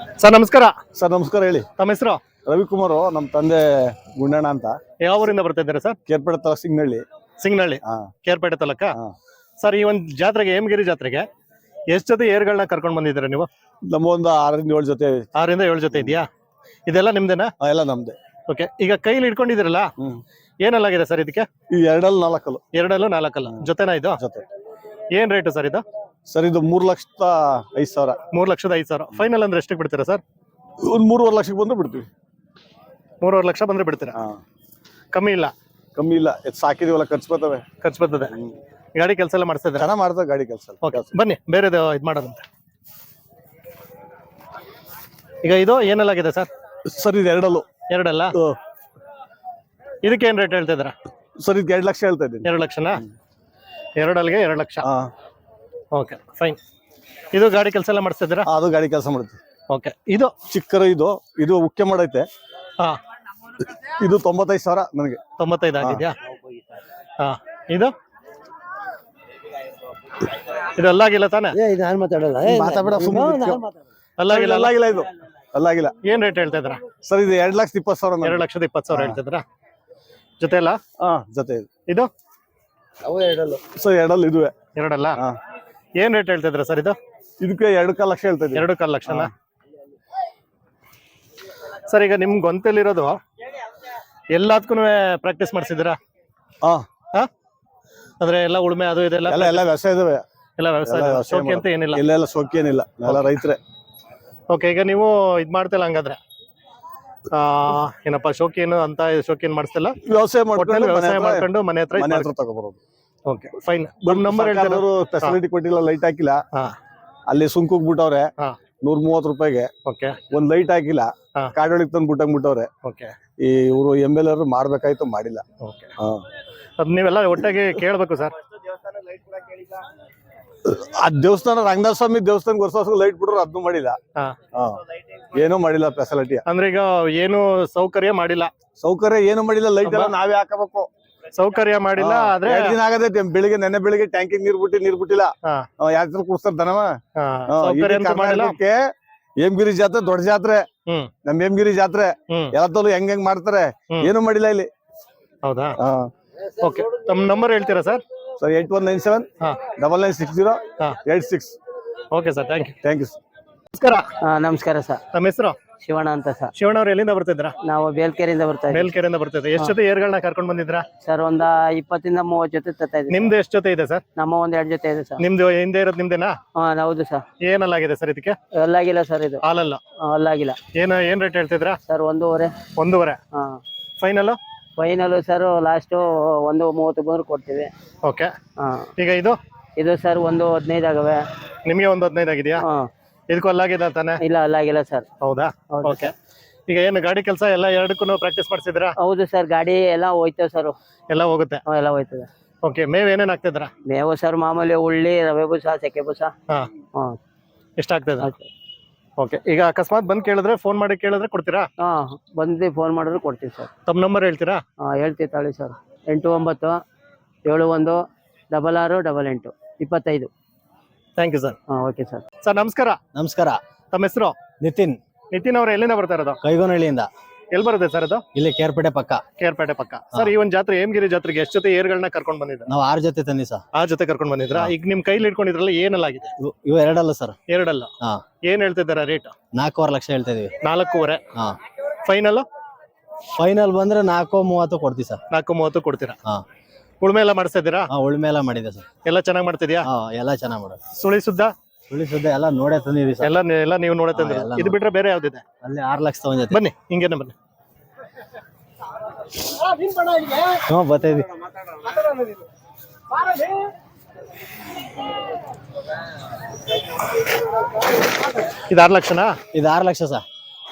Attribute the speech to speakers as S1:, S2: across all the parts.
S1: Sir ನಮಸ್ಕಾರ.
S2: Sir ನಮಸ್ಕಾರ, ಹೇಳಿ.
S1: ತಮ್ಮ ಹೆಸರು?
S2: ರವಿಕುಮಾರ್, ನಮ್ಮ ತಂದೆ ಗುಂಡಣ್ಣ ಅಂತ.
S1: ಯಾವ ಊರಿಂದ ಬರ್ತಾ ಇದ್ದೀರಾ ಸರ್?
S2: ಕೇರ್ಪೇಟೆ ತಾಲೂಕು ಸಿಂಗನಹಳ್ಳಿ.
S1: ಸಿಂಗನಹಳ್ಳಿ, ಕೇರ್ಪೇಟೆ ತಾಲೂಕ. ಸರ್, ಈ ಒಂದು ಜಾತ್ರೆಗೆ, ಹೇಮಗಿರಿ ಜಾತ್ರೆಗೆ ಎಷ್ಟು ಜೊತೆ ಏರ್ಗಳನ್ನ ಕರ್ಕೊಂಡು ಬಂದಿದ್ದೀರಾ ನೀವು?
S2: ನಮ್ಮ ಒಂದು 6 ರಿಂದ 7 ಜೊತೆ.
S1: 6 ರಿಂದ 7 ಜೊತೆ ಇದೆಯಾ? ಇದೆಲ್ಲ ನಿಮ್ದೇನಾ?
S2: ಎಲ್ಲ ನಮ್ದೆ.
S1: ಓಕೆ. ಈಗ ಕೈಲಿ ಇಟ್ಕೊಂಡಿದ್ದೀರಲ್ಲ, ಏನೆಲ್ಲಾಗಿದೆ ಸರ್ ಇದಕ್ಕೆ?
S2: ಈ 2
S1: 2 4 ಜೊತೆನಾ ಇದು?
S2: ಜೊತೆ.
S1: ಏನ್ ರೇಟು ಸರ್ ಇದು?
S2: ಸರ್ ಇದು 3,05,000.
S1: 3,05,000 ಫೈನಲ್ ಅಂದ್ರೆ ಎಷ್ಟಕ್ಕೆ ಬಿಡ್ತೀರಾ ಸರ್?
S2: ಒಂದು 3.5 ಲಕ್ಷಕ್ಕೆ ಬಂದ್ರೆ ಬಿಡ್ತೀವಿ.
S1: 3.5 ಲಕ್ಷ ಬಂದ್ರೆ ಬಿಡ್ತೀರಾ? ಕಮ್ಮಿ ಇಲ್ಲ?
S2: ಕಮ್ಮಿ ಇಲ್ಲ. ಸಾಕಿದೀವಲ್ಲ, ಖರ್ಚು ಬರ್ತವೆ.
S1: ಖರ್ಚು ಬರ್ತದೆ. ಗಾಡಿ ಕೆಲಸ ಎಲ್ಲ ಮಾಡಿಸ್ತಾ ಇದ್ದಾರೆ?
S2: ಚೆನ್ನಾಗಿ ಮಾಡ್ತಾರೆ ಗಾಡಿ ಕೆಲಸ.
S1: ಓಕೆ, ಬನ್ನಿ ಬೇರೆದು ಇದು ಮಾಡೋದಂತೆ. ಈಗ ಇದು ಏನೆಲ್ಲಾಗಿದೆ ಸರ್?
S2: ಸರ್ ಇದು 2.
S1: 2 ಇದಕ್ಕೆ ಏನ್ ರೇಟ್ ಹೇಳ್ತಾ ಇದ್ದೀರಾ?
S2: ಸರ್ ಇದಕ್ಕೆ 2 ಲಕ್ಷ ಹೇಳ್ತಾ ಇದ್ದೀನಿ.
S1: 2 ಲಕ್ಷನಾ? 2 2 ಲಕ್ಷ. Okay, fine. ಇದು ಗಾಡಿ ಕೆಲಸ ಎಲ್ಲ ಮಾಡಿಸ್ತಾ ಇದ್ದೀರಾ?
S2: ಅದು ಗಾಡಿ ಕೆಲಸ ಮಾಡುತ್ತೆ.
S1: ಓಕೆ. ಇದು
S2: ಚಿಕ್ಕರು, ಇದು ಉಕ್ಕೆ ಮಾಡೈತೆ. ಇದು 95,000 ನನಗೆ.
S1: 95 ಆಗಿದ್ಯಾ? ಇದು ಅಲ್ಲಾಗಿಲ್ಲ ತಾನೆ?
S2: ಅಲ್ಲಾಗಿಲ್ಲ. ಇದು ಅಲ್ಲಾಗಿಲ್ಲ.
S1: ಏನ್ ರೇಟ್ ಹೇಳ್ತಾ ಇದ್ದೀರಾ
S2: ಸರ್ ಇದು 2,20,000.
S1: 2,20,000 ಹೇಳ್ತಾ ಇದ್ದೀರಾ? ಜೊತೆ ಅಲ್ಲ?
S2: ಜೊತೆ.
S1: ಇದು
S2: ಸರ್ 2 ಇದುವೆ.
S1: 2 ಏನ್ ರೇಟ್ ಹೇಳ್ತಾ ಇದ್ದೀರಾ ಸರ್ ಇದು?
S2: ಇದಕ್ಕೆ 2.25 ಲಕ್ಷ ಹೇಳ್ತಾ ಇದ್ದೀನಿ.
S1: 2.25 ಲಕ್ಷನಾ? ಸರ್, ಈಗ ನಿಮ್ ಗೊಂತಲ್ಲಿರೋದು ಎಲ್ಲದಕ್ಕೂ ಪ್ರಾಕ್ಟೀಸ್ ಮಾಡಿಸಿದ್ದೀರಾ? ಅಂದ್ರೆ ಎಲ್ಲ ಉಳುಮೆ ಅದು ಇದೆಲ್ಲ
S2: ಎಲ್ಲ ವ್ಯವಸಾಯ ಇದಾವೆ.
S1: ಎಲ್ಲ ವ್ಯವಸಾಯ ಶೋಕಿ ಅಂತ ಏನಿಲ್ಲ?
S2: ಇಲ್ಲ ಶೋಕಿ ಏನಿಲ್ಲ, ಎಲ್ಲ ರೈತರೇ.
S1: ಓಕೆ. ಈಗ ನೀವು ಇದ್ ಮಾಡ್ತಿಲ್ಲ ಹಂಗಾದ್ರೆ? ಏನಪ್ಪ ಶೋಕಿ ಏನು ಅಂತ ಶೋಕಿ ಏನ್ ಮಾಡಿಸ್ತಿಲ್ಲ?
S2: ವ್ಯವಸಾಯ
S1: ಮಾಡ್ಕೊಂಡು ಮನೆ ಹತ್ರ
S2: ತಗೋಬರೋದು.
S1: Okay, fine. ನಂಬರ್ ಹೇಳ್ತಾರೆ.
S2: ಫೆಸಿಲಿಟಿ ಕೊಟ್ಟಿಲ್ಲ, ಲೈಟ್ ಹಾಕಿಲ್ಲ. ಅಲ್ಲಿ ಸುಂಕುಗ್ ಬಿಟ್ಟವ್ರೆ 130 ರೂಪಾಯಿಗೆ.
S1: ಓಕೆ.
S2: ಒಂದ್ ಲೈಟ್ ಹಾಕಿಲ್ಲ, ಕಾಡೊಳಗೆ ತಂದು ಬಿಟ್ಟಂಗ್ಬಿಟ್ಟವ್ರೆ.
S1: ಓಕೆ.
S2: ಈ ಇವರು MLA ಮಾಡ್ಬೇಕಾಯ್ತು, ಮಾಡಿಲ್ಲ.
S1: ಓಕೆ. ಅದ್ ನೀವೆಲ್ಲ ಒಟ್ಟಾಗಿ ಕೇಳ್ಬೇಕು ಸರ್.
S2: ಆ ದೇವಸ್ಥಾನ, ರಂಗನಾಥ ಸ್ವಾಮಿ ದೇವಸ್ಥಾನ ವರ್ಷ ಲೈಟ್ ಬಿಟ್ರು, ಅದನ್ನು ಮಾಡಿಲ್ಲ. ಏನೂ ಮಾಡಿಲ್ಲ ಫೆಸಿಲಿಟಿ.
S1: ಅಂದ್ರೆ ಈಗ ಏನು ಸೌಕರ್ಯ ಮಾಡಿಲ್ಲ?
S2: ಸೌಕರ್ಯ ಏನು ಮಾಡಿಲ್ಲ. ಲೈಟ್ ಎಲ್ಲ ನಾವೇ ಹಾಕಬೇಕು.
S1: ಸೌಕರ್ಯ ಮಾಡಿಲ್ಲ. ಆದ್ರೆ
S2: 2 ದಿನ ಆಗದೈತೆ. ನೆನ್ನೆ ಬೆಳಿಗ್ಗೆ ಟ್ಯಾಂಕಿಗೆ ನೀರ್ ಬಿಟ್ಟಿಲ್ಲ. ಯಾತ್ರ ಕೂರ್ಸ್ತಾರ ದನವ. ಹೇಮಗಿರಿ ಜಾತ್ರೆ ದೊಡ್ಡ ಜಾತ್ರೆ, ನಮ್ ಹೇಮಗಿರಿ ಜಾತ್ರೆ ಎಲ್ಲದಲ್ಲೂ ಹೆಂಗ್ ಮಾಡ್ತಾರೆ. ಏನು ಮಾಡಿಲ್ಲ ಇಲ್ಲಿ.
S1: ಹೌದಾ? ಓಕೆ. ತಮ್ಮ ನಂಬರ್ ಹೇಳ್ತೀರಾ sir?
S2: 8197 996086.
S1: Okay sir, thank you.
S2: ನಮಸ್ಕಾರ.
S3: ನಮಸ್ಕಾರ ಸರ್.
S1: ನಮ್ಮ ಹೆಸರು?
S3: ಶಿವಣ್ಣ ಅಂತ ಸರ್.
S1: ಶಿವಣ್ಣ ಅವ್ರು ಎಲ್ಲಿಂದ ಬರ್ತಿದ್ರಾ?
S3: ನಾವು ಬೇಲ್ಕೆರೆಯಿಂದ ಬರ್ತಾ ಇದ್ದೀವಿ.
S1: ಮೇಲ್ಕೆರೆಯಿಂದ ಬರ್ತಿದ್ದೆ. ಎಷ್ಟು ಜೊತೆ ಏರ್ಗಳನ್ನ ಕರ್ಕೊಂಡ್ ಬಂದಿದ್ರಾ
S3: ಸರ್? ಒಂದ 20 ರಿಂದ 30 ಜೊತೆ ತರ್ತಾ ಇದ್ದೀವಿ.
S1: ನಿಮ್ದು ಎಷ್ಟು ಜೊತೆ ಇದೆ ಸರ್?
S3: ನಮ್ಮ 1-2 ಜೊತೆ ಇದೆ ಸರ್.
S1: ನಿಮ್ದು ಹಿಂದೆ ಇರೋದು ನಿಮ್ದೇನಾ?
S3: ಹೌದು ಸರ್.
S1: ಏನಲ್ಲಾಗಿದೆ ಸರ್ ಇದಕ್ಕೆ?
S3: ಅಲ್ಲಾಗಿಲ್ಲ ಸರ್, ಇದು
S1: ಹಾಲಲ್ಲ.
S3: ಅಲ್ಲಾಗಿಲ್ಲ.
S1: ಏನ್ ರೇಟ್ ಹೇಳ್ತಿದ್ರಾ
S3: sir? 1.5.
S1: 1.5. Final?
S3: Final sir last 1.30 ಬಂದ್ರೆ ಕೊಡ್ತೀವಿ.
S1: ಓಕೆ. ಈಗ ಇದು
S3: ಸರ್ 1.15 ಆಗವೆ.
S1: ನಿಮ್ಗೆ 1.15 ಆಗಿದೆಯಾ? ಇದಕ್ಕೂ ಅಲ್ಲಾಗಿದೆ ತಾನೆ?
S3: ಇಲ್ಲ, ಅಲ್ಲಾಗಿಲ್ಲ ಸರ್.
S1: ಹೌದಾ? ಓಕೆ. ಈಗ ಏನು ಗಾಡಿ ಕೆಲಸ ಎಲ್ಲ ಎರಡಕ್ಕೂ ಪ್ರಾಕ್ಟೀಸ್ ಮಾಡಿಸಿದ್ರಾ?
S3: ಹೌದು ಸರ್. ಗಾಡಿ ಎಲ್ಲ ಹೋಯ್ತೇವೆ ಸರ್.
S1: ಎಲ್ಲ ಹೋಗುತ್ತೆ?
S3: ಎಲ್ಲ ಹೋಯ್ತದೆ.
S1: ಓಕೆ. ಮೇವ್ ಏನೇನ್ ಹಾಕ್ತಿದ್ರಾ?
S3: ಮೇವು ಸರ್ ಮಾಮೂಲಿ ಉಳ್ಳಿ, ರವೆ ಬೂಸ, ಸೆಕೆ ಬೂಸ.
S1: ಎಷ್ಟು ಆಗ್ತದೆ? ಓಕೆ. ಈಗ ಅಕಸ್ಮಾತ್ ಬಂದ್ ಕೇಳಿದ್ರೆ, ಫೋನ್ ಮಾಡಿ ಕೇಳಿದ್ರೆ ಕೊಡ್ತೀರಾ?
S3: ಬಂದು ಫೋನ್ ಮಾಡಿದ್ರೆ ಕೊಡ್ತೀವಿ ಸರ್.
S1: ತಮ್ಮ ನಂಬರ್ ಹೇಳ್ತೀರಾ?
S3: ಹೇಳ್ತೀವಿ ತಾಳಿ sir. 8971668825.
S1: Thank you sir.
S3: Okay sir.
S1: Sir ನಮಸ್ಕಾರ.
S4: ನಮಸ್ಕಾರ.
S1: ತಮ್ಮ ಹೆಸರು?
S4: ನಿತಿನ್.
S1: ನಿತಿನ್ ಅವ್ರು ಎಲ್ಲಿಂದ ಬರ್ತಾ ಇರೋದು?
S4: ಕೈಗೋನಹಳ್ಳಿಯಿಂದ.
S1: ಎಲ್ಲಿ ಬರುತ್ತೆ ಸರ್ ಅದು?
S4: ಇಲ್ಲಿ ಕೇರ್ಪೇಟೆ ಪಕ್ಕ.
S1: ಕೇರ್ಪೇಟೆ ಪಕ್ಕ. ಸರ್, ಈ ಒಂದು ಜಾತ್ರೆ ಹೇಮಗಿರಿ ಜಾತ್ರೆಗೆ ಎಷ್ಟು ಜೊತೆ ಏರ್ಗಳನ್ನ ಕರ್ಕೊಂಡ್ ಬಂದಿದ್ರ?
S4: ನಾವು 6 ಜೊತೆ ತಂದಿ ಸರ್.
S1: 6 ಜೊತೆ ಕರ್ಕೊಂಡ್ ಬಂದಿದ್ರ? ಈಗ ನಿಮ್ ಕೈಲಿ ಇಟ್ಕೊಂಡಿದ್ರಲ್ಲ, ಏನೆಲ್ಲಾಗಿದೆ?
S4: ಇವು 2 ಸರ್.
S1: 2 ಏನ್ ಹೇಳ್ತಿದ್ದಾರ ರೇಟ್?
S4: 4.25 ಲಕ್ಷ ಹೇಳ್ತಾ ಇದೀವಿ.
S1: 4.25. ಫೈನಲ್?
S4: ಫೈನಲ್ ಬಂದ್ರೆ 4.30 ಕೊಡ್ತೀವಿ ಸರ್.
S1: 4.30 ಕೊಡ್ತೀರಾ? ಉಳುಮೆ ಎಲ್ಲ ಮಾಡಿಸ್ತಾ ಇದ್ದೀರಾ?
S4: ಉಳುಮೆ ಎಲ್ಲ ಮಾಡಿದೆ ಸರ್.
S1: ಎಲ್ಲ ಚೆನ್ನಾಗಿ ಮಾಡ್ತಿದ್ಯಾ?
S4: ಎಲ್ಲ ಚೆನ್ನಾಗಿ ಮಾಡೋದು.
S1: ಸುಳಿ ಸುದ್ದ
S4: ಎಲ್ಲ ನೋಡೇ ತಂದಿದ್ದೀವಿ ಸರ್.
S1: ಎಲ್ಲ ನೀವು ನೋಡೇ ತಂದಿರ. ಇದು ಬಿಟ್ರೆ ಬೇರೆ ಯಾವ್ದಿದೆ?
S4: ಅಲ್ಲಿ 6 ಲಕ್ಷ ತಗೊಂಡಿದ್ದೆ.
S1: ಬನ್ನಿ, ಹಿಂಗೇನೆ ಬನ್ನಿ.
S4: ಬರ್ತಾ ಇದೀವಿ.
S1: ಇದು 6 ಲಕ್ಷನಾ?
S4: ಇದು 6 ಲಕ್ಷ ಸರ್.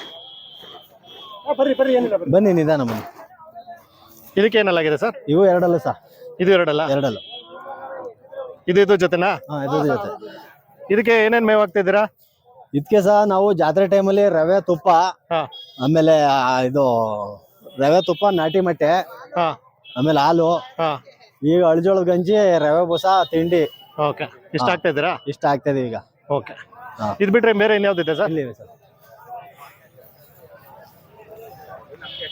S4: ಬನ್ನಿ ನಿಧಾನ ಬನ್ನಿ.
S1: ಇದಕ್ಕೆ ಏನೆಲ್ಲಾಗಿದೆ ಸರ್?
S4: ಇವು 2 ಸರ್.
S1: ಇದು 2. ಇದು ಜೊತೆನಾ?
S4: ಇದು ಜೊತೆ.
S1: ಇದಕ್ಕೆ ಏನೇನ್ ಮೇವ್ ಹಾಕ್ತಿದ್ದೀರಾ?
S4: ಇದಕ್ಕೆ ಸಹ ನಾವು ಜಾತ್ರೆ ಟೈಮಲ್ಲಿ ರವೆ ತುಪ್ಪ, ಆಮೇಲೆ ಇದು ರವೆ ತುಪ್ಪ, ನಾಟಿ ಮೊಟ್ಟೆ, ಆಮೇಲೆ ಹಾಲು, ಈಗ ಅಳಜೋಳದ ಗಂಜಿ, ರವೆ ಬೂಸ, ತಿಂಡಿ.
S1: ಓಕೆ. ಇಷ್ಟ ಆಗ್ತಾ ಇದ್ದೀರಾ?
S4: ಇಷ್ಟ ಆಗ್ತಾ ಇದೀವಿ ಈಗ.
S1: ಓಕೆ. ಇದು ಬಿಟ್ರೆ ಬೇರೆ ಇನ್ಯಾವ್ದಿದೆ ಸರ್?
S4: ಇಲ್ಲಿವೆ ಸರ್.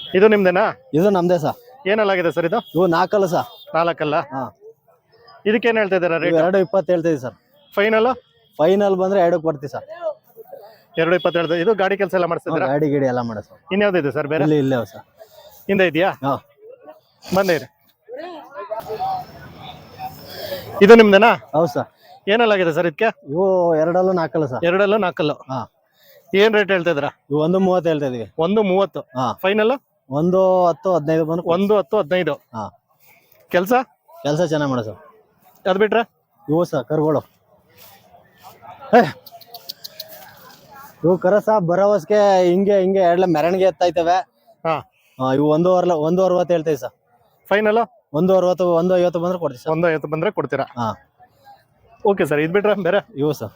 S1: ಇದು ನಿಮ್ದೇನಾ?
S4: ಇದು ನಮ್ದೇ ಸರ್.
S1: ಏನಲ್ಲಾಗಿದೆ ಸರ್ ಇದು?
S4: ಇವು 4 ಸರ್.
S1: 4
S4: ಹಾ.
S1: ಇದಕ್ಕೇನು ಹೇಳ್ತಾ ಇದ್ದೀರಾ ರೇಟ್?
S4: 2.20 ಹೇಳ್ತೀವಿ ಸರ್.
S1: ಫೈನಲ್
S4: ಬಂದ್ರೆ 2ಕ್ಕೆ ಬರ್ತೀವಿ ಸರ್.
S1: 2.20 ಹೇಳ್ತಾ. ಇದು ಗಾಡಿ ಕೆಲಸ ಎಲ್ಲ ಮಾಡಿಸ್ತಿದ್ದೀರಾ?
S4: ಗಾಡಿ ಗಿಡಿ ಎಲ್ಲ ಮಾಡ ಸರ್.
S1: ಇನ್ಯಾವ್ದಿದೆ ಸರ್ ಬೇರೆ?
S4: ಇಲ್ಲೇ ಸರ್.
S1: ಹಿಂದೆ ಇದೆಯಾ?
S4: ಹಾ.
S1: ಬಂದೇರಿ. ಇದು ನಿಮ್ದೇನಾ?
S4: ಹೌದು ಸರ್.
S1: ಏನಲ್ಲಾಗಿದೆ ಸರ್ ಇದಕ್ಕೆ?
S4: ಇವು 2 ಸರ್.
S1: 2
S4: ಹಾ.
S1: ಏನ್ ರೇಟ್ ಹೇಳ್ತಾ ಇದ್ದೀರಾ?
S4: ಇವು 1.30 ಹೇಳ್ತಾ ಇದೀವಿ.
S1: 1.30.
S4: ಹಾ.
S1: ಫೈನಲ್
S4: 1.10-15 ಬಂದು
S1: 1.10-15.
S4: ಹಾ.
S1: ಕೆಲಸ
S4: ಚೆನ್ನಾಗಿ ಮಾಡ ಸರ್.
S1: ಅದ್ ಬಿಟ್ರೆ
S4: ಇವು ಸರ್ ಕರುಗಳು. ಇವು ಕರಸ ಭರವಸ್ಗೆ ಹಿಂಗೆ ಎರಡ್ಲ ಮೆರವಣಿಗೆ ಎತ್ತಾಯ್ತವೆ.
S1: ಹಾ.
S4: ಇವು 1.60 ಹೇಳ್ತೀವಿ ಸರ್.
S1: ಫೈನಲ್
S4: 1.60 1.50 ಬಂದ್ರೆ ಕೊಡ್ತೀವಿ ಸರ್.
S1: 1.50 ಬಂದ್ರೆ ಕೊಡ್ತೀರಾ?
S4: ಹಾ.
S1: Okay sir. ಇದ್ ಬಿಟ್ರೆ ಬೇರೆ?
S4: ಇವು ಸರ್.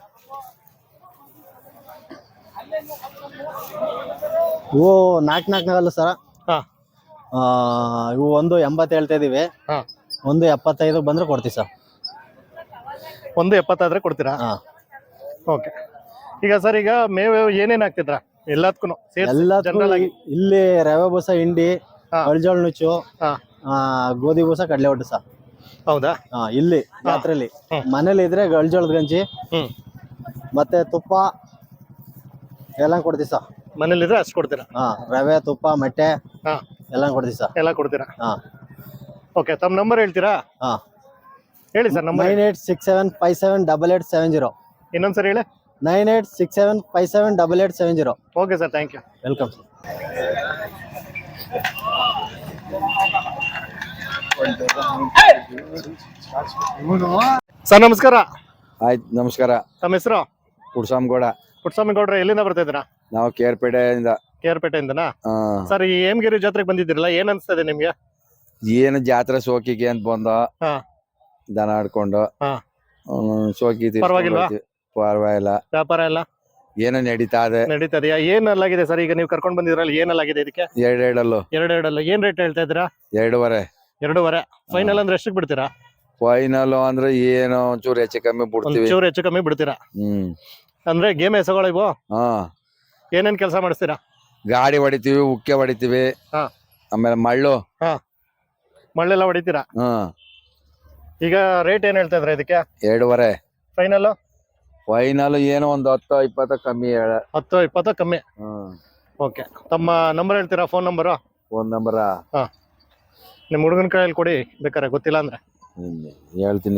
S4: ಇವು 4 ಸರ್.
S1: ಹಾ.
S4: ಇವು 1.80 ಹೇಳ್ತಾ ಇದೀವಿ.
S1: ಹಾ.
S4: 1.75 ಬಂದ್ರೆ ಕೊಡ್ತೀವಿ ಸರ್.
S1: 1.70 ಆದ್ರೆ ಕೊಡ್ತೀರಾ?
S4: ಹಾ.
S1: ಓಕೆ. ಈಗ ಸರ್ ಈಗ ಮೇವು ಏನೇನ್ ಹಾಕ್ತಿದ್ರ ಎಲ್ಲದಕ್ಕೂ?
S4: ಜನರಲ್ ಆಗಿ ಇಲ್ಲಿ ರವೆ ಬೂಸ, ಹಿಂಡಿ, ಅಳ್ಜೋಳ ನುಚ್ಚು, ಗೋಧಿ ಬೂಸ, ಕಡಲೆ ಒಟ್ಟು ಸರ್.
S1: ಹೌದಾ?
S4: ಇಲ್ಲಿ ಜಾತ್ರೆಲಿ. ಮನೇಲಿ ಇದ್ರೆ ಅಳ್ಜೋಳದ ಗಂಜಿ ಮತ್ತೆ ತುಪ್ಪ ಎಲ್ಲ ಕೊಡ್ತೀವಿ ಸರ್.
S1: ಮನೇಲಿ ಇದ್ರೆ ಅಷ್ಟು ಕೊಡ್ತೀರಾ?
S4: ರವೆ, ತುಪ್ಪ, ಮೊಟ್ಟೆ ಎಲ್ಲ ಕೊಡ್ತೀವಿ ಸರ್.
S1: ಎಲ್ಲ ಕೊಡ್ತೀರಾ? ಓಕೆ. ತಮ್ಮ ನಂಬರ್ ಹೇಳ್ತೀರಾ? ಹೇಳಿ ಸರ್. ನಂಬರ್
S4: 9867578870.
S1: ಇನ್ನೊಂದ್ಸರಿ ಹೇಳಿ.
S4: 9867578870.
S1: Okay sir. Thank you.
S4: Welcome sir.
S1: Sir ನಮಸ್ಕಾರ.
S2: ಆಯ್ತು, ನಮಸ್ಕಾರ.
S1: ತಮ್ಮ ಹೆಸರು?
S2: ಪುಟ್ಸ್ವಾಮಿಗೌಡ.
S1: ಪುಟ್ಸ್ವಾಮಿಗೌಡ್ರೆ, ಎಲ್ಲಿಂದ ಬರ್ತಾ ಇದ್ದೀರಾ?
S2: ನಾವು ಕೇರ್ಪೇಟೆಯಿಂದ.
S1: ಕೇರ್ಪೇಟೆಯಿಂದನಾ? ಸರ್ ಈ ಹೇಮಗಿರಿ ಜಾತ್ರೆಗೆ ಬಂದಿದ್ದೀರಲ್ಲ, ಏನ್ ಅನ್ಸ್ತದೆ ನಿಮ್ಗೆ?
S2: ಏನು ಜಾತ್ರೆ ಸೋಕಿಗೆ ಅಂತ ಬಂದ ದನ ಆಡ್ಕೊಂಡು ಸೋಕಿ
S1: ಪರವಾಗಿಲ್ವಾ?
S2: ಪರವಾಗಿಲ್ಲ.
S1: ವ್ಯಾಪಾರ ಎಲ್ಲ
S2: ಏನೋ ನಡೀತದೆಯಾ?
S1: ಏನಲ್ಲಾಗಿದೆ ಸರ್ ಈಗ ನೀವು ಕರ್ಕೊಂಡ್ ಬಂದಿದ್ರಲ್ಲ, ಏನಲ್ಲಾಗಿದೆ ಇದಕ್ಕೆ?
S2: ಎರಡೆರಡಲ್ಲು.
S1: ಏನ್ ರೇಟ್ ಹೇಳ್ತಾ ಇದ್ದೀರಾ?
S2: 2.5.
S1: ಫೈನಲ್ ಅಂದ್ರೆ ಎಷ್ಟಕ್ಕೆ ಬಿಡ್ತೀರಾ?
S2: ಫೈನಲ್ ಅಂದ್ರೆ ಏನೋ ಒಂಚೂರು ಹೆಚ್ಚು ಕಮ್ಮಿ ಬಿಡ್ತೀವಿ.
S1: ಒಂಚೂರು ಹೆಚ್ಚು ಕಮ್ಮಿ ಬಿಡ್ತೀರಾ? ಅಂದ್ರೆ ಗೇಮ್ ಎಸಗಳಿವು? ಏನೇನ್ ಕೆಲಸ ಮಾಡಿಸ್ತೀರಾ?
S2: ಗಾಡಿ ಹೊಡಿತೀವಿ, ಉಕ್ಕೆ ಹೊಡಿತೀವಿ, ಆಮೇಲೆ
S1: ಮಳ್ಳೆಲ್ಲ ಹೊಡಿತೀರಾ? ಈಗ ರೇಟ್ ಏನ್ ಹೇಳ್ತಾ ಇದ್ರ ಇದಕ್ಕೆ?
S2: 2.5.
S1: ಫೈನಲ್
S2: ಏನೋ ಒಂದು 10-20 ಕಮ್ಮಿ.
S1: 10-20 ಕಮ್ಮಿ. ಓಕೆ. ತಮ್ಮ ನಂಬರ್ ಹೇಳ್ತೀರಾ? Phone number? ನಿಮ್ ಹುಡುಗನ ಕೈಯಲ್ಲಿ ಕೊಡಿ ಬೇಕಾರೆ, ಗೊತ್ತಿಲ್ಲ ಅಂದ್ರೆ.
S2: ಹೇಳ್ತೀನಿ.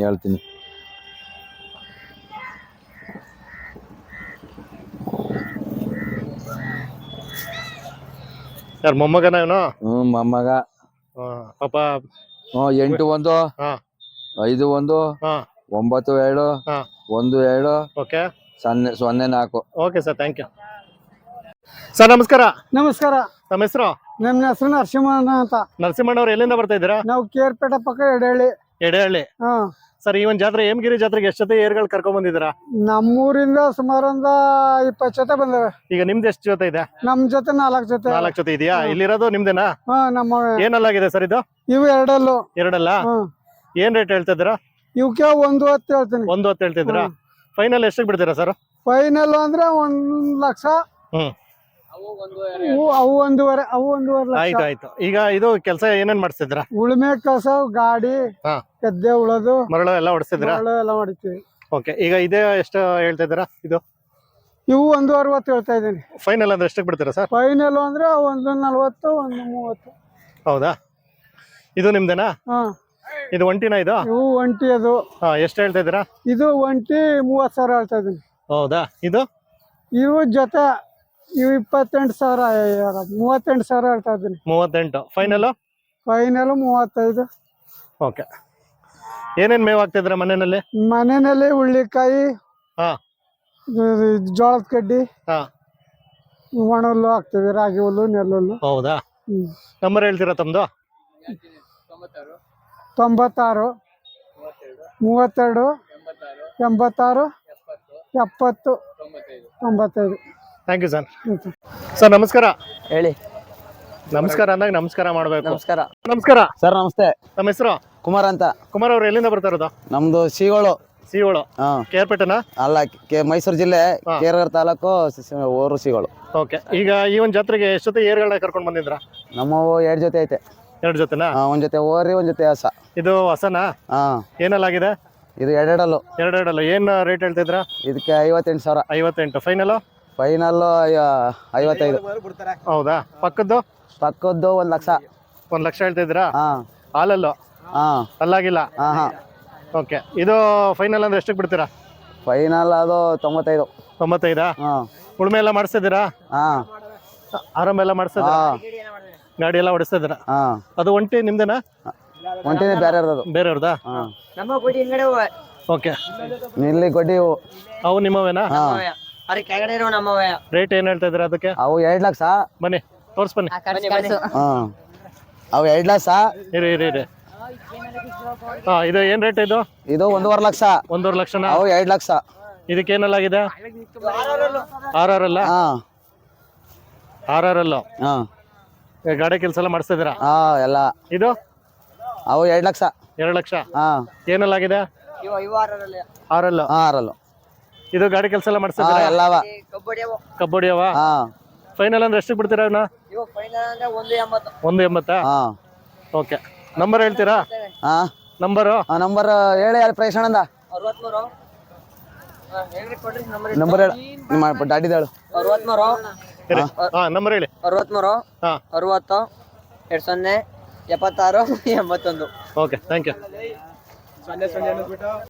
S1: ಯಾರು ಮೊಮ್ಮಗನ ಇವನು?
S2: ಮೊಮ್ಮಗ.
S1: ಪಾಪ.
S2: 81 51 97 17
S1: okay
S2: 04.
S1: Okay sir. Thank you sir. ನಮಸ್ಕಾರ.
S5: ನಮಸ್ಕಾರ.
S1: ತಮ್ಮ ಹೆಸರು?
S5: ನನ್ನ ಹೆಸರು ನರಸಿಂಹಣ್ಣ ಅಂತ.
S1: ನರಸಿಂಹಣ್ಣವ್ರು, ಎಲ್ಲಿಂದ ಬರ್ತಾ ಇದ್ದೀರಾ?
S5: ನಾವು ಕೇರ್ಪೇಟೆ ಪಕ್ಕ ಎಡೆಹಳ್ಳಿ.
S1: ಸರ್ ಈ ಒಂದ್ ಜಾತ್ರೆ, ಹೇಮಗಿರಿ ಜಾತ್ರೆಗೆ ಎಷ್ಟು ಜೊತೆ ಏರ್ಗಳು ಕರ್ಕೊಂಡ್ ಬಂದಿದ್ದೀರಾ?
S5: ನಮ್ಮೂರಿಂದ ಸುಮಾರು 20 ಜೊತೆ ಬಂದವೆ.
S1: ಈಗ ನಿಮ್ದು ಎಷ್ಟು ಜೊತೆ ಇದೆ?
S5: ನಮ್ ಜೊತೆ 4 ಜೊತೆ.
S1: 4 ಜೊತೆ ಇದೆಯಾ? ಇಲ್ಲಿರೋದು ನಿಮ್ದೇನಾ?
S5: ನಮ್ಮ
S1: ಏನಲ್ಲಾಗಿದೆ ಸರ್ ಇದು?
S5: ಇವು ಎರಡಲ್ಲ.
S1: ಏನ್ ರೇಟ್ ಹೇಳ್ತಾ ಇದ್ದೀರಾ?
S5: ಇವಕ್ಕೆ 1.10 ಹೇಳ್ತೀನಿ.
S1: 1.10 ಹೇಳ್ತಿದ್ದೀರಾ? ಫೈನಲ್ ಎಷ್ಟಕ್ಕೆ ಬಿಡ್ತೀರಾ ಸರ್?
S5: ಫೈನಲ್ ಅಂದ್ರೆ 1 ಲಕ್ಷ. ಅವು 1.5 ಲಕ್ಷ.
S1: ಆಯ್ತು. ಈಗ ಇದು ಕೆಲಸ ಏನೇನ್ ಮಾಡಿಸ್ತಿದ್ದೀರಾ?
S5: ಉಳುಮೆ ಕೆಲಸ, ಗಾಡಿ, ಗದ್ದೆ ಉಳೋದು,
S1: ಮರಳು ಎಲ್ಲ ಹೊಡಿಸ್ತಿದ್ದೀರಾ?
S5: ಎಲ್ಲ ಮಾಡಿರ್ತೀವಿ.
S1: ಓಕೆ. ಈಗ ಇದೇ ಎಷ್ಟು ಹೇಳ್ತಾ ಇದ್ದೀರಾ?
S5: ಇವು 1.60 ಹೇಳ್ತಾ ಇದ್ದೀನಿ.
S1: ಫೈನಲ್ ಅಂದ್ರೆ ಎಷ್ಟಕ್ಕೆ ಬಿಡ್ತೀರಾ ಸರ್?
S5: ಫೈನಲ್ ಅಂದ್ರೆ 1.40 1.30.
S1: ಹೌದಾ? ಇದು ನಿಮ್ದೇನಾ? ಇದು ಒಂಟಿನಾ? ಇದು
S5: ಒಂಟಿ. ಅದು
S1: ಎಷ್ಟು ಹೇಳ್ತಾ ಇದ್ದೀರಾ?
S5: ಇದು ಒಂಟಿ 30,000 ಹೇಳ್ತಾ ಇದೀನಿ.
S1: ಹೌದಾ?
S5: ಇವು ಜೊತೆ 28,000 38,000 ಹೇಳ್ತಾ ಇದ್ದೀನಿ.
S1: 38. ಫೈನಲ್
S5: 35.
S1: ಓಕೆ. ಏನೇನ್ ಮೇವ್ ಹಾಕ್ತಿದ್ರ
S5: ಮನೆಯಲ್ಲಿ? ಹುಳ್ಳಿಕಾಯಿ, ಜೋಳದ ಕಡ್ಡಿ, ಒಣ ಹುಲ್ಲು ಹಾಕ್ತಿವಿ, ರಾಗಿ ಹುಲ್ಲು, ನೆಲ್ಲುಲ್ಲು.
S1: ಹೌದಾ? ನಂಬರ್ ಹೇಳ್ತೀರಾ ತಮ್ದು?
S5: 96 32 86 70 95.
S1: Thank you sir. ಸರ್ ನಮಸ್ಕಾರ.
S3: ಹೇಳಿ.
S1: ನಮಸ್ಕಾರ ಅಂದಾಗ ನಮಸ್ಕಾರ ಮಾಡ್ಬೇಕು.
S3: ನಮಸ್ಕಾರ
S4: ಸರ್. ನಮಸ್ತೆ.
S1: ನಮ್ಮ ಹೆಸರು?
S4: ಕುಮಾರ್ ಅಂತ.
S1: ಕುಮಾರ್ ಅವ್ರು ಎಲ್ಲಿಂದ ಬರ್ತಾ ಇರೋದು?
S4: ನಮ್ದು
S1: ಸಿಗೋಳು
S2: ಹಾ
S1: ಕೇರ್ಪೇಟೆನಾ?
S2: ಅಲ್ಲ ಮೈಸೂರು ಜಿಲ್ಲೆ
S1: ಹಾ.
S2: ಕೇರಳ ತಾಲೂಕು ಓರು ಸಿಗಳು.
S1: ಓಕೆ. ಈಗ ಈ ಒಂದು ಜಾತ್ರೆಗೆ ಎಷ್ಟು ಜೊತೆ ಏರ್ಗಳನ್ನ ಕರ್ಕೊಂಡು ಬಂದಿದ್ರ?
S2: ನಮ್ಮವು 2 ಜೊತೆ ಐತೆ.
S1: 2 ಜೊತೆನಾ?
S2: ಒಂದ್ ಜೊತೆ ಓರಿ ಒಂದ್ ಜೊತೆ ಹಸ.
S1: ಇದು ಹೊಸನಾ?
S2: ಹಾ
S1: ಏನಲ್ಲಾಗಿದೆ?
S2: ಇದು ಎರಡೆರಡಲ್ಲು.
S1: ಎರಡೆರಡಲ್ಲ. ಏನ್ ರೇಟ್ ಹೇಳ್ತಿದ್ರ?
S2: ಇದಕ್ಕೆ 58,000.
S1: 58. ಫೈನಲ್?
S2: ಫೈನಲ್ 55.
S1: ಹೌದಾ? ಪಕ್ಕದ್ದು
S2: ಪಕ್ಕದ್ದು 1 ಲಕ್ಷ.
S1: 1 ಲಕ್ಷ ಹೇಳ್ತಿದ್ರಾ?
S2: ಹಾ
S1: ಹಾಲಲ್ಲು
S2: ಹಾ
S1: ಅಲ್ಲಾಗಿಲ್ಲ?
S2: ಹಾ ಹಾ
S1: ಓಕೆ. ಇದು ಫೈನಲ್ ಅಂದ್ರೆ ಎಷ್ಟಕ್ಕೆ ಬಿಡ್ತೀರಾ?
S2: ಫೈನಲ್ ಅದು 95.
S1: 95?
S2: ಹಾ
S1: ಉಳುಮೆ ಎಲ್ಲ ಮಾಡಿಸ್ತಿದ್ದೀರಾ?
S2: ಹಾ
S1: ಆರಾಮ ಎಲ್ಲ ಮಾಡಿಸ್ತಿದ್ದೀರಾ?
S2: ಹಾ
S1: ಗಾಡಿ ಎಲ್ಲ ಓಡಿಸ್ತಿದ್ದೀರಾ?
S2: ಹಾ
S1: ಅದು ಒಂಟಿ ನಿಮ್ದೇನಾ?
S2: ಒಂಟಿನೇ ಬೇರೆ ಇರೋದು.
S1: ಬೇರೆಯವ್ರದಾ?
S2: ಹಾ
S1: ಓಕೆ.
S2: ಇಲ್ಲಿ ಗೊಡ್ಡಿ ಇವು.
S1: ಅವು ನಿಮ್ಮವೇನಾ?
S2: ಹಾ
S1: ರೇಟ್ ಏನ್ ಹೇಳ್ತಾ ಇದ್ದೀರಾ ಅದಕ್ಕೆ?
S2: ಅವು 2 ಲಕ್ಷ.
S1: ಬನ್ನಿ ತೋರ್ಸ್ ಬನ್ನಿ.
S2: ಹಾ ಅವು 2 ಲಕ್ಷ.
S1: ಇರಿ ಇರಿ ಇರಿ. ಹಾ, ಇದು ಏನ್ ರೇಟ್ ಇದು?
S2: ಇದು 1.5 ಲಕ್ಷ.
S1: 1.5 ಲಕ್ಷನಾ?
S2: ಅವು 2 ಲಕ್ಷ.
S1: ಇದಕ್ಕೆ ಏನಲ್ಲಾಗಿದೆ? ಆರಲ್ಲ?
S2: ಹಾ
S1: ಆರಲ್ಲ.
S2: ಹಾ
S1: ಗಾಡಿ ಕೆಲಸ ಎಲ್ಲ ಮಾಡಿಸ್ತಿದ್ದೀರಾ?
S2: ಹಾ ಎಲ್ಲ.
S1: ಇದು
S2: ಅವು 2 ಲಕ್ಷ.
S1: 2 ಲಕ್ಷ.
S2: ಹಾ
S1: ಏನಲ್ಲಾಗಿದೆ? ಆರಲ್ಲ.
S2: ಹಾ ಆರಲ್ಲು.
S1: ಇದು ಗಾಡಿ ಕೆಲಸ ಎಲ್ಲ
S2: ಹಾ
S1: ಮಾಡಿಸ್ತಿದ್ದೀರಾ?
S2: ಎಲ್ಲವ.
S1: ಕಬ್ಬಡಿಯವ?
S2: ಹಾ
S1: ಫೈನಲ್ ಅಂದ್ರೆ ಎಷ್ಟು ಬಿಡ್ತೀರಾ ಅವನ್ನ? 1.80.
S2: ಹಾ
S1: ಓಕೆ. ನಂಬರ್ ಹೇಳ್ತೀರಾ?
S2: ಹಾ
S1: ನಂಬರು
S2: ನಂಬರ್ ಹೇಳಿ ಯಾರು ಪ್ರೈಸಣ್ಣಂದ ನಂಬರ್ ಹೇಳು. ನಿಮ್ಮ ದಾಡಿದ ಹೇಳು.
S1: ಹಾ, ನಂಬರ್ ಹೇಳಿ.
S6: 63
S1: ಹಾ
S6: 60 20 76 81.
S1: Okay, thank you.